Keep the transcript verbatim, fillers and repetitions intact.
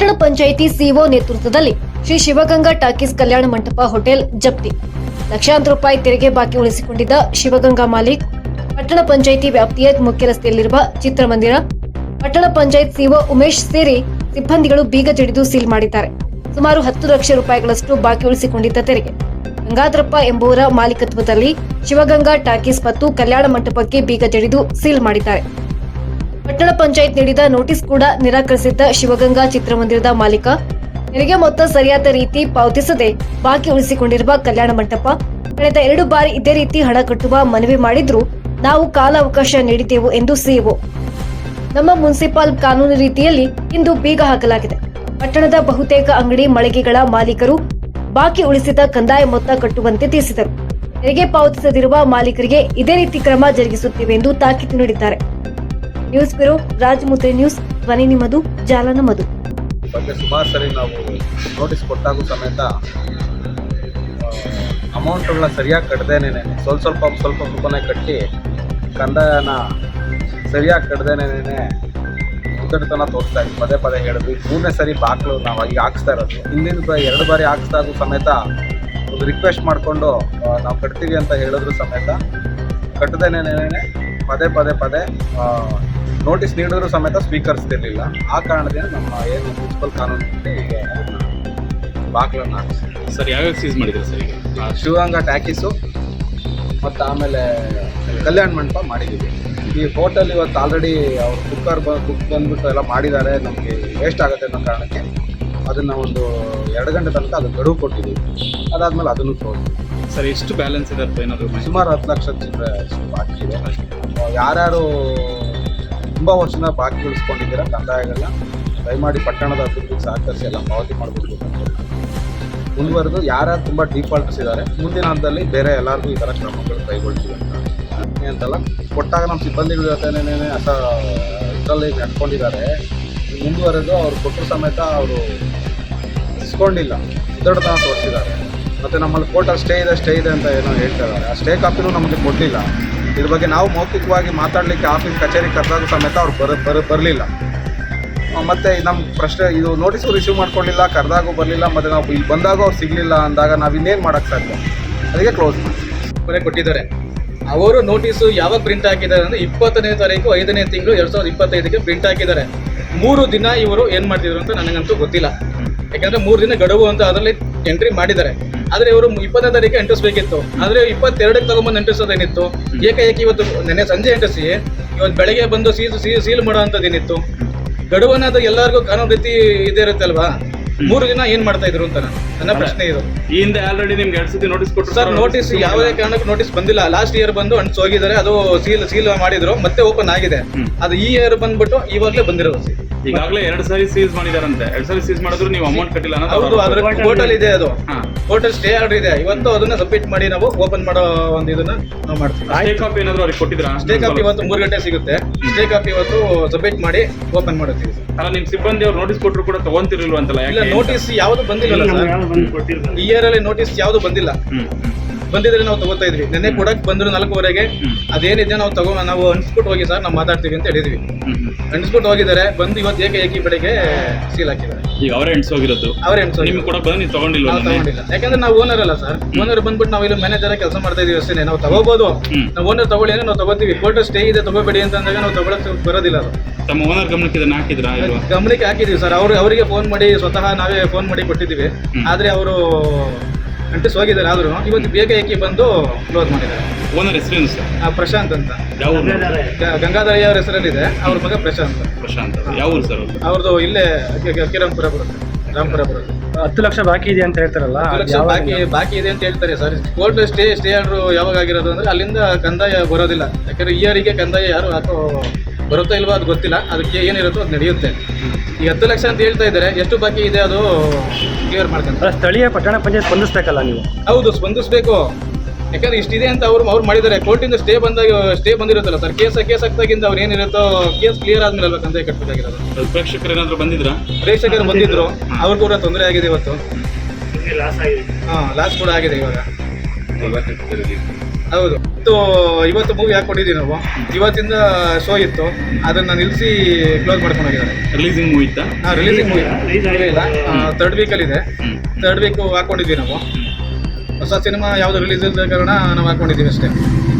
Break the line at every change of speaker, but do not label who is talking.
ಪಟ್ಟಣ ಪಂಚಾಯಿತಿ ಸಿಒ ನೇತೃತ್ವದಲ್ಲಿ ಶ್ರೀ ಶಿವಗಂಗಾ ಟಾಕೀಸ್ ಕಲ್ಯಾಣ ಮಂಟಪ ಹೋಟೆಲ್ ಜಪ್ತಿ. ಲಕ್ಷಾಂತರ ರೂಪಾಯಿ ತೆರಿಗೆ ಬಾಕಿ ಉಳಿಸಿಕೊಂಡಿದ್ದ ಶಿವಗಂಗಾ ಮಾಲೀಕ್ ಪಟ್ಟಣ ಪಂಚಾಯಿತಿ ವ್ಯಾಪ್ತಿಯ ಮುಖ್ಯ ರಸ್ತೆಯಲ್ಲಿರುವ ಚಿತ್ರಮಂದಿರ ಪಟ್ಟಣ ಪಂಚಾಯತ್ ಸಿಒ ಉಮೇಶ್ ಸೇರಿ ಸಿಬ್ಬಂದಿಗಳು ಬೀಗ ಜಡಿದು ಸೀಲ್ ಮಾಡಿದ್ದಾರೆ. ಸುಮಾರು ಹತ್ತು ಲಕ್ಷ ರೂಪಾಯಿಗಳಷ್ಟು ಬಾಕಿ ಉಳಿಸಿಕೊಂಡಿದ್ದ ತೆರಿಗೆ ಗಂಗಾಧರಪ್ಪ ಎಂಬುವರ ಮಾಲೀಕತ್ವದಲ್ಲಿ ಶಿವಗಂಗಾ ಟಾಕೀಸ್ ಮತ್ತು ಕಲ್ಯಾಣ ಮಂಟಪಕ್ಕೆ ಬೀಗ ಜಡಿದು ಸೀಲ್ ಮಾಡಿದ್ದಾರೆ. ಪಟ್ಟಣ ಪಂಚಾಯತ್ ನೀಡಿದ ನೋಟಿಸ್ ಕೂಡ ನಿರಾಕರಿಸಿದ್ದ ಶಿವಗಂಗಾ ಚಿತ್ರಮಂದಿರದ ಮಾಲೀಕ ತೆರಿಗೆ ಮೊತ್ತ ಸರಿಯಾದ ರೀತಿ ಪಾವತಿಸದೆ ಬಾಕಿ ಉಳಿಸಿಕೊಂಡಿರುವ ಕಲ್ಯಾಣ ಮಂಟಪ ಕಳೆದ ಎರಡು ಬಾರಿ ಇದೇ ರೀತಿ ಹಣ ಕಟ್ಟುವ ಮನವಿ ಮಾಡಿದ್ರು ನಾವು ಕಾಲಾವಕಾಶ ನೀಡಿದ್ದೆವು ಎಂದು ಸಿಇಒ. ನಮ್ಮ ಮುನ್ಸಿಪಾಲ್ ಕಾನೂನು ರೀತಿಯಲ್ಲಿ ಇಂದು ಬೀಗ ಹಾಕಲಾಗಿದೆ. ಪಟ್ಟಣದ ಬಹುತೇಕ ಅಂಗಡಿ ಮಳಿಗೆಗಳ ಮಾಲೀಕರು ಬಾಕಿ ಉಳಿಸಿದ ಕಂದಾಯ ಮೊತ್ತ ಕಟ್ಟುವಂತೆ ತಿಳಿಸಿದರು. ತೆರಿಗೆ ಪಾವತಿಸದಿರುವ ಮಾಲೀಕರಿಗೆ ಇದೇ ರೀತಿ ಕ್ರಮ ಜರುಗಿಸುತ್ತೇವೆ ಎಂದು ತಾಕೀತು ನೀಡಿದ್ದಾರೆ. ನ್ಯೂಸ್ ಬ್ಯೂರೋ, ರಾಜಮುದ್ರಿ ನ್ಯೂಸ್, ಧ್ವನಿ ನಿಮ್ಮದು, ಜಾಲ ನಮ್ಮದು.
ಬಗ್ಗೆ ಸುಮಾರು ಸರಿ ನಾವು ನೋಟಿಸ್ ಕೊಟ್ಟಾಗೂ ಸಮೇತ ಅಮೌಂಟ್ಗಳನ್ನ ಸರಿಯಾಗಿ ಕಟ್ಟದೇನೆ ಸ್ವಲ್ಪ ಸ್ವಲ್ಪ ಸ್ವಲ್ಪ ಸ್ವಲ್ಪನೇ ಕಟ್ಟಿ ಕಂದಾಯನ ಸರಿಯಾಗಿ ಕಟ್ಟದೇನೆ ಉದ್ದಟತನ ತೋರಿಸ್ತಾ ಇದ್ವಿ. ಪದೇ ಪದೇ ಹೇಳಿದ್ವಿ. ಮೂರನೇ ಸರಿ ಬಾಕ್ಲು ನಾವು ಈಗ ಹಾಕ್ಸ್ತಾ ಇರೋದು. ಹಿಂದಿನ ಎರಡು ಬಾರಿ ಹಾಕ್ಸ್ದಾಗೂ ಸಮೇತ ಒಂದು ರಿಕ್ವೆಸ್ಟ್ ಮಾಡಿಕೊಂಡು ನಾವು ಕಟ್ತೀವಿ ಅಂತ ಹೇಳಿದ್ರು ಸಮೇತ ಕಟ್ಟದೇನೆ ಪದೇ ಪದೇ ಪದೇ ನೋಟಿಸ್ ನೀಡಿದ್ರು ಸಮೇತ ಸ್ವೀಕರಿಸ್ತಿರ್ಲಿಲ್ಲ. ಆ ಕಾರಣದಿಂದ ನಮ್ಮ ಏನು ಮುನ್ಸಿಪಲ್ ಕಾನೂನು ಈಗ ಬಾಕ್ಲನ್ನು ಹಾಕಿಸಿ
ಸರ್ ಯಾವ್ಯಾವ ಸೀಸ್ ಮಾಡಿದ್ರು ಸರ್? ಈಗ
ಶಿವಗಂಗಾ ಟ್ಯಾಕೀಸು ಮತ್ತು ಆಮೇಲೆ ಕಲ್ಯಾಣ ಮಂಟಪ ಮಾಡಿದ್ದೀವಿ. ಈ ಹೋಟೆಲ್ ಇವತ್ತು ಆಲ್ರೆಡಿ ಅವ್ರು ಕುಕ್ಕರ್ ಬ ಕುಕ್ ಬಂದ್ಬಿಟ್ಟು ಎಲ್ಲ ಮಾಡಿದ್ದಾರೆ. ನಮಗೆ ವೇಸ್ಟ್ ಆಗುತ್ತೆ ಅನ್ನೋ ಕಾರಣಕ್ಕೆ ಅದನ್ನು ಒಂದು ಎರಡು ಗಂಟೆ ತನಕ ಅದು ಗಡುವು ಕೊಟ್ಟಿದ್ದೀವಿ. ಅದಾದಮೇಲೆ ಅದನ್ನು ತೋರಿಸಿ
ಸರ್ ಎಷ್ಟು ಬ್ಯಾಲೆನ್ಸ್ ಇದೆ ಅಥವಾ ಏನಾದರೂ?
ಸುಮಾರು ಹತ್ತು ಲಕ್ಷ ಚಿಲ್ಲರೆ ಬಾಕಿ ಇದೆ. ಯಾರ್ಯಾರು ತುಂಬ ವರ್ಷದಿಂದ ಬಾಕಿ ಉಳಿಸ್ಕೊಂಡಿದ್ದೀರ ಕಂದಾಯಗಳನ್ನ ದಯಮಾಡಿ ಪಟ್ಟಣದ ಅಭಿವೃದ್ಧಿಗೆ ಸಹಕರಿಸಿ ಎಲ್ಲ ಪಾವತಿ ಮಾಡಬೇಕು ಅಂತ ಮುಂದುವರೆದು ಯಾರ್ಯಾರು ತುಂಬ ಡಿಫಾಲ್ಟರ್ಸ್ ಇದ್ದಾರೆ ಮುಂದಿನ ಹಂತದಲ್ಲಿ ಬೇರೆ ಎಲ್ಲರಿಗೂ ಈ ಥರ ಕ್ರಮಗಳು ಕೈಗೊಳ್ತೀವಿ ಅಂತ ಅಂತಲ್ಲ. ಕೊಟ್ಟಾಗ ನಮ್ಮ ಸಿಬ್ಬಂದಿಗಳ ಜೊತೆನೇ ಅಸ ಇದರಲ್ಲಿ ನಡ್ಕೊಂಡಿದ್ದಾರೆ. ಮುಂದುವರೆದು ಅವ್ರು ಕೊಟ್ಟರು ಸಮೇತ ಅವರು ಇಸ್ಕೊಂಡಿಲ್ಲ, ಉದ್ದಟತನ ತೋರಿಸಿದ್ದಾರೆ. ಮತ್ತು ನಮ್ಮಲ್ಲಿ ಕೋರ್ಟಲ್ಲಿ ಸ್ಟೇ ಇದೆ ಸ್ಟೇ ಇದೆ ಅಂತ ಏನೋ ಹೇಳ್ತಾ ಇದ್ದಾರೆ. ಆ ಸ್ಟೇ ಕಾಪಿನೂ ನಮಗೆ ಕೊಡಲಿಲ್ಲ. ಇದ್ರ ಬಗ್ಗೆ ನಾವು ಮೌಖಿಕವಾಗಿ ಮಾತಾಡಲಿಕ್ಕೆ ಆಫೀಸ್ ಕಚೇರಿ ಕರೆದಾಗ ಸಮೇತ ಅವ್ರು ಬರ ಬರ ಬರಲಿಲ್ಲ. ಮತ್ತು ನಮ್ಮ ಪ್ರಶ್ನೆ ಇದು ನೋಟಿಸು ರಿಸೀವ್ ಮಾಡ್ಕೊಳ್ಳಿಲ್ಲ, ಕರೆದಾಗೂ ಬರಲಿಲ್ಲ. ಮತ್ತು ನಾವು ಇಲ್ಲಿ ಬಂದಾಗ ಅವ್ರು ಸಿಗಲಿಲ್ಲ ಅಂದಾಗ ನಾವು ಇನ್ನೇನು ಮಾಡೋಕ್ಕೆ ಸಾಧ್ಯ? ಅದಕ್ಕೆ ಕ್ಲೋಸ್
ಕೊನೆ ಕೊಟ್ಟಿದ್ದಾರೆ. ಅವರು ನೋಟಿಸು ಯಾವಾಗ ಪ್ರಿಂಟ್ ಹಾಕಿದ್ದಾರೆ ಅಂದರೆ ಇಪ್ಪತ್ತನೇ ತಾರೀಕು ಐದನೇ ತಿಂಗಳು ಎರಡು ಸಾವಿರದ ಇಪ್ಪತ್ತೈದಕ್ಕೆ ಪ್ರಿಂಟ್ ಹಾಕಿದ್ದಾರೆ. ಮೂರು ದಿನ ಇವರು ಏನು ಮಾಡ್ತಿದ್ರು ಅಂತ ನನಗಂತೂ ಗೊತ್ತಿಲ್ಲ. ಯಾಕೆಂದರೆ ಮೂರು ದಿನ ಗಡುವು ಅಂತ ಅದರಲ್ಲಿ ಎಂಟ್ರಿ ಮಾಡಿದ್ದಾರೆ. ಆದರೆ ಇವರು ಇಪ್ಪತ್ತನೇ ತಾರೀಕು ಎಂಟಿಸ್ಬೇಕಿತ್ತು. ಆದರೆ ಇಪ್ಪತ್ತೆರಡಕ್ಕೆ ತಗೊಂಬಂದು ಎಂಟಿಸೋದೇನಿತ್ತು? ಏಕಾಏಕಿ ಇವತ್ತು ನೆನ್ನೆ ಸಂಜೆ ಎಂಟಿಸಿ ಇವತ್ತು ಬೆಳಗ್ಗೆ ಬಂದು ಸೀಲ್ ಸೀಲ್ ಮಾಡೋ ಅಂಥದ್ದೇನಿತ್ತು? ಗಡುವನ್ನ ಅದು ಎಲ್ಲರಿಗೂ ಕಾನೂನು ರೀತಿ ಇದೇ ಇರುತ್ತೆ ಅಲ್ವಾ? ಮೂರು ದಿನ ಏನು ಮಾಡ್ತಾ ಇದ್ರು ಅಂತ ನನ್ನ ಪ್ರಶ್ನೆ ಇದು.
ಈ ಹಿಂದೆ ಆಲ್ರೆಡಿ ನಿಮ್ಗೆ ಎರಡು ಸತಿ ನೋಟಿಸ್ ಕೊಟ್ಟರು
ಸರ್. ನೋಟಿಸ್ ಯಾವುದೇ ಕಾರಣಕ್ಕೂ ನೋಟಿಸ್ ಬಂದಿಲ್ಲ. ಲಾಸ್ಟ್ ಇಯರ್ ಬಂದು ಅಂಟಿಸಿ ಹೋಗಿದ್ದಾರೆ. ಅದು ಸೀಲ್ ಸೀಲ್ ಮಾಡಿದ್ರು, ಮತ್ತೆ ಓಪನ್ ಆಗಿದೆ. ಅದು ಈ ಇಯರ್ ಬಂದ್ಬಿಟ್ಟು ಇವಾಗಲೇ ಬಂದಿರೋದು.
ಈಗಾಗಲೇ ಎರಡು ಸಾರಿ ಸೀಸ್ ಮಾಡಿದಾರಂತೆ. ಎರಡು ಸಾರಿ ಸೀಸ್ ಮಾಡಿದ್ರು ನೀವು ಅಮೌಂಟ್ ಕಟ್ಟಿಲ್ಲ ಅನ್ನೋದು.
ಹೌದು, ಅದ್ರ ಕೋರ್ಟಲ್ ಇದೆ. ಅದು ಕೋರ್ಟಲ್ ಸ್ಟೇ ಆರ್ಡರ್ ಇದೆ. ಇವತ್ತು ಅದನ್ನ ಸಬ್ಮಿಟ್ ಮಾಡಿ ನಾವು ಓಪನ್ ಮಾಡೋ ಒಂದು ಇದನ್ನ ನಾವು ಮಾಡ್ತೀವಿ.
ಸ್ಟೇ ಕಾಪಿ ಏನಾದ್ರು ಅವ್ರಿಗೆ ಕೊಟ್ಟಿದ್ರಾ?
ಸ್ಟೇ ಕಾಪಿ ಇವತ್ತು ಮೂರು ಗಂಟೆ ಸಿಗುತ್ತೆ. ಸ್ಟೇ ಕಾಪಿ ಇವತ್ತು ಸಬ್ಮಿಟ್ ಮಾಡಿ ಓಪನ್ ಮಾಡುತ್ತೀವಿ.
ಅಲ್ಲ, ನಿಮ್ ಸಿಬ್ಬಂದಿ ಅವ್ರು ನೋಟಿಸ್ ಕೊಟ್ಟರು ಕೂಡ ತಗೊಂತಿರ್ಲಿಲ್ವ ಅಂತಲ್ಲ?
ಇಲ್ಲ, ನೋಟಿಸ್ ಯಾವುದು ಬಂದಿಲ್ಲ ಸರ್. ಈ ಇಯರ್ ಅಲ್ಲಿ ನೋಟಿಸ್ ಯಾವುದು ಬಂದಿಲ್ಲ. ಬಂದಿದ್ರೆ ನಾವು ತಗೋತಾ ಇದ್ವಿ. ನೆನ್ನೆ ಕೊಡಕ್ ಬಂದ್ರು ನಾಲ್ಕೂವರೆಗೆ. ಅದೇನಿದೆ ನಾವು ತಗೋ ನಾವು ಅನ್ಸ್ಬಿಟ್ಟು ಹೋಗಿ ಸರ್ ನಾವು ಮಾತಾಡ್ತೀವಿ ಅಂತ ಹೇಳಿದ್ವಿ. ಅನ್ಸ್ಬಿಟ್ಟು ಹೋಗಿದ್ದಾರೆ. ಬಂದು ಇವತ್ತು ಏಕೆ ಏಕಿ ಬೆಳಿಗ್ಗೆ ಸೀಲ್ ಹಾಕಿದ್ದಾರೆ.
ಈಗ ಅವರೇ ಎಣ್ಸೋಗಿರೋದು.
ಅವರೇ ಎಣ್ಸೋ
ನಿಮ್ಗೆ ಕೂಡ ಬಂದು ನೀವು ತಗೊಂಡಿಲ್ಲ?
ತಗೊಂಡಿಲ್ಲ. ಯಾಕಂದ್ರೆ ನಾವು ಓನರ್ ಅಲ್ಲ ಸರ್. ಓನರ್ ಬಂದ್ಬಿಟ್ಟು ನಾವು ಇಲ್ಲಿ ಮ್ಯಾನೇಜರ್ ಕೆಲಸ ಮಾಡ್ತಾ ಇದೀವಿ ಅಷ್ಟೇ. ನಾವು ತಗೋಬಹುದು. ನಾವು ಓನರ್ ತಗೊಳ್ಳಿ ಅಂದ್ರೆ ನಾವು ತಗೋತೀವಿ. ಕೋರ್ಟ್ ಸ್ಟೇ ಇದೆ ತಗೋಬೇಡಿ ಅಂತ ಅಂದಾಗ ನಾವು ತಗೊಳಕ್ ಬರೋದಿಲ್ಲ. ಅದು
ತಮ್ಮ ಓನರ್ ಗಮನಕ್ಕೆ ಇದನ್ನ ಹಾಕಿದ್ರಾ?
ಗಮನಕ್ಕೆ ಹಾಕಿದೀವಿ ಸರ್. ಅವ್ರು ಅವರಿಗೆ ಫೋನ್ ಮಾಡಿ ಸ್ವತಃ ನಾವೇ ಫೋನ್ ಮಾಡಿ ಕೊಟ್ಟಿದ್ದೀವಿ. ಆದ್ರೆ ಅವರು ಅಂಟಿಸ್ ಹೋಗಿದ್ದಾರೆ. ಆದ್ರೂ ಇವತ್ತು ಬೇಗ ಏಕಿ ಬಂದು ಕ್ಲೋಸ್ ಮಾಡಿದ್ದಾರೆ.
ಓನರ್ ಹೆಸರೇನು ಸರ್?
ಪ್ರಶಾಂತ್ ಅಂತ.
ಯಾವ
ಗಂಗಾಧರಯ್ಯ ಅವ್ರ ಹೆಸರಲ್ಲಿದೆ. ಅವ್ರ ಮಗ ಪ್ರಶಾಂತ್.
ಪ್ರಶಾಂತ್ ಯಾವ ಊರು ಸರ್?
ಅವ್ರದ್ದು ಇಲ್ಲೇ ಕಿರಂಪುರ ಬರುತ್ತೆ, ರಾಮಪುರ ಬರುತ್ತೆ.
ಹತ್ತು ಲಕ್ಷ ಬಾಕಿ ಇದೆ ಅಂತ ಹೇಳ್ತಾರಲ್ಲ?
ಹತ್ತು ಲಕ್ಷ ಬಾಕಿ ಬಾಕಿ ಇದೆ ಅಂತ ಹೇಳ್ತಾರೆ sir. Court stay stay order ಯಾವಾಗ ಆಗಿರೋದು ಅಂದ್ರೆ ಅಲ್ಲಿಂದ ಕಂದಾಯ ಬರೋದಿಲ್ಲ. ಯಾಕಂದ್ರೆ ಇಯರಿಗೆ ಕಂದಾಯ ಯಾರು ಹಾಕೋ ಬರುತ್ತಾ ಇಲ್ವಾ ಅದು ಗೊತ್ತಿಲ್ಲ. ಅದಕ್ಕೆ ಏನಿರುತ್ತೋ ಅದು ನಡೆಯುತ್ತೆ. ಈಗ ಹತ್ತು ಲಕ್ಷ ಅಂತ ಹೇಳ್ತಾ ಇದ್ದಾರೆ. ಎಷ್ಟು ಬಾಕಿ ಇದೆ ಅದು ಕ್ಲಿಯರ್ ಮಾಡ್ಕೊಂತಾರೆ.
ಸ್ಥಳೀಯ ಪಟ್ಟಣ ಪಂಚಾಯತ್ ಸ್ಪಂದಿಸ್ಬೇಕಲ್ಲ ನೀವು?
ಹೌದು, ಸ್ಪಂದಿಸಬೇಕು. ಯಾಕಂದ್ರೆ ಇಷ್ಟಿದೆ ಅಂತ ಅವ್ರು ಅವ್ರು ಮಾಡಿದ್ದಾರೆ. ಕೋರ್ಟಿಂದ ಸ್ಟೇ ಬಂದಾಗ ಸ್ಟೇ ಬಂದಿರುತ್ತಲ್ಲ ಸರ್. ಕೇಸ್ ಕೇಸ್ ಆಗ್ತಾಗಿಂದ ಅವ್ರು ಏನಿರುತ್ತೋ ಕೇಸ್ ಕ್ಲಿಯರ್ ಆದ್ಮೇಲೆ ಅಲ್ವಾ ಕಂದಾಯ ಕಟ್ಟಬೇಕಾಗಿರೋದು.
ಪ್ರೇಕ್ಷಕರು ಏನಾದ್ರು ಬಂದಿದ್ರಾ?
ಪ್ರೇಕ್ಷಕರು ಬಂದಿದ್ರು. ಅವ್ರು ಕೂಡ ತೊಂದರೆ ಆಗಿದೆ ಇವತ್ತು. ಹಾಂ, ಲಾಸ್ ಕೂಡ ಆಗಿದೆ ಇವಾಗ. ಹೌದು ಇವತ್ತು ಇವತ್ತು ಮೂವಿ ಹಾಕೊಂಡಿದ್ದೀವಿ ನಾವು. ಇವತ್ತಿಂದ ಶೋ ಇತ್ತು, ಅದನ್ನ ನಿಲ್ಲಿಸಿ ಕ್ಲೋಸ್ ಮಾಡ್ಕೊಂಡು ಹೋಗಿದ್ದಾರೆ.
ರಿಲೀಸಿಂಗ್ ಮೂವಿ ಇತ್ತಾ?
ಹಾಂ, ರಿಲೀಸಿಂಗ್ ಮೂವಿ ಇಲ್ಲ, ತರ್ಡ್ ವೀಕಲ್ಲಿ ಇದೆ.
ಹ್ಮ್.
ತರ್ಡ್ ವೀಕ್ ಹಾಕೊಂಡಿದ್ವಿ ನಾವು. ಹೊಸ ಸಿನಿಮಾ ಯಾವುದು ರಿಲೀಸ್ ಇಲ್ಲದ ಕಾರಣ ನಾವು ಹಾಕೊಂಡಿದ್ದೀವಿ ಅಷ್ಟೇ.